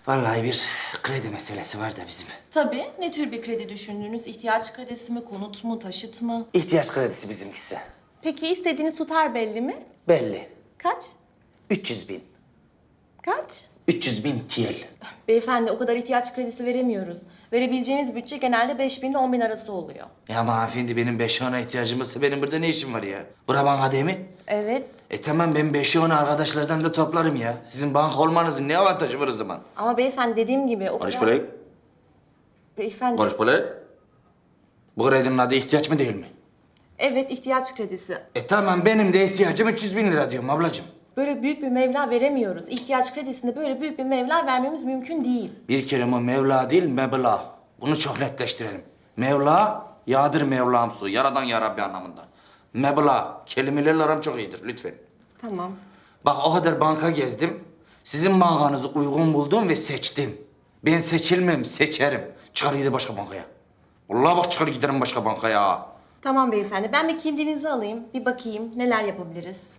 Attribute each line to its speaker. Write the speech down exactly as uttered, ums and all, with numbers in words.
Speaker 1: Vallahi bir kredi meselesi var da bizim.
Speaker 2: Tabii. Ne tür bir kredi düşündünüz? İhtiyaç kredisi mi, konut mu, taşıt mı?
Speaker 1: İhtiyaç kredisi bizimkisi.
Speaker 2: Peki istediğiniz tutar belli mi?
Speaker 1: Belli.
Speaker 2: Kaç?
Speaker 1: üç yüz bin.
Speaker 2: Kaç?
Speaker 1: üç yüz bin T L.
Speaker 2: Beyefendi o kadar ihtiyaç kredisi veremiyoruz. Verebileceğimiz bütçe genelde beş bin ile on bin arası oluyor.
Speaker 1: Ya ama hanımefendi benim beş ona ihtiyacım olsa benim burada ne işim var ya? Bura banka değil mi?
Speaker 2: Evet.
Speaker 1: E tamam ben beşi onu arkadaşlardan da toplarım ya. Sizin banka olmanızın ne avantajı var o zaman?
Speaker 2: Ama beyefendi dediğim gibi o
Speaker 1: Konuş
Speaker 2: kadar...
Speaker 1: burayı.
Speaker 2: Beyefendi...
Speaker 1: Konuş burayı. Bu kredinin adı ihtiyaç mı değil mi?
Speaker 2: Evet ihtiyaç kredisi.
Speaker 1: E tamam benim de ihtiyacım üç yüz bin lira diyorum ablacığım.
Speaker 2: Böyle büyük bir meblağ veremiyoruz. İhtiyaç kredisinde böyle büyük bir meblağ vermemiz mümkün değil.
Speaker 1: Bir kere o Mevla değil meblağ. Bunu çok netleştirelim. Mevla, yağdır Mevlam su. Yaradan ya Rabbi anlamında. Meblağ, kelimelerle aram çok iyidir lütfen.
Speaker 2: Tamam.
Speaker 1: Bak o kadar banka gezdim. Sizin bankanızı uygun buldum ve seçtim. Ben seçilmem, seçerim. Çıkar gidelim başka bankaya. Vallahi bak çıkar giderim başka bankaya.
Speaker 2: Tamam beyefendi. Ben bir kimliğinizi alayım. Bir bakayım neler yapabiliriz.